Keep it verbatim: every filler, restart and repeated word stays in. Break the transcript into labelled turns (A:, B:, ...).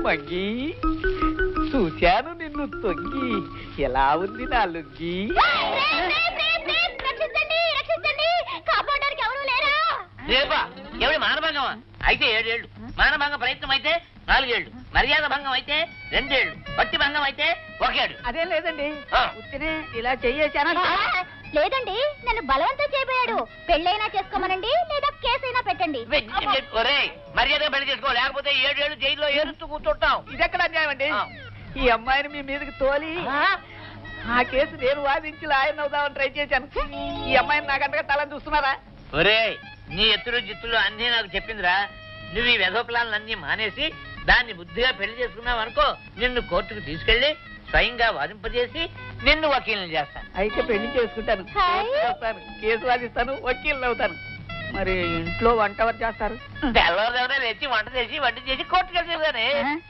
A: మంగి చూశాను నిన్ను తొంగి, ఎలా ఉంది నా లుంగి?
B: రేపా ఎవరి మానభంగమా అయితే ఏడేళ్లు, మానభంగ ప్రయత్నం అయితే నాలుగేళ్లు, మర్యాద భంగం అయితే రెండేళ్లు, భక్తి భంగం అయితే ఒకేడు.
A: అదేం లేదండి, ఉత్తినే ఇలా చెయ్యేశానా?
C: లేదండి, నన్ను బలవంతం చేయబోయాడు. పెళ్ళైనా చేసుకోమనండి, లేదా కేసైనా పెట్టండి.
B: ఒరే మర్యాద పెళ్లి చేసుకో, లేకపోతే ఏడేళ్లు జైల్లో ఏరుస్తూ కూర్చుంటాం.
A: ఇదెక్కడ అన్యాయం అండి? ఈ అమ్మాయిని మీ మీదకి తోలి ఆ కేసు నేను వాదించి లాయర్ అవుదామని ట్రై చేశాను. ఈ అమ్మాయిని నాకంటగా తలని చూస్తున్నారా?
B: ఒరే నీ ఎత్తులు జిత్తులు అన్నీ నాకు చెప్పిందిరా. నువ్వు ఈ వెధోప్లాన్లన్నీ మానేసి దాన్ని బుద్ధిగా పెళ్లి చేసుకున్నావు అనుకో, నిన్ను కోర్టుకు తీసుకెళ్లి స్వయంగా వాదింపజేసి నిన్ను వకీల్ని చేస్తాను.
A: అయితే పెళ్లి చేసుకుంటాను, కేసు వాదిస్తాను, వకీల్ని అవుతాను. మరి ఇంట్లో వంట ఎవరు చేస్తారు?
B: తెల్లవారు లేచి వంట చేసి వంట చేసి కోర్టుకు వెళ్తాను.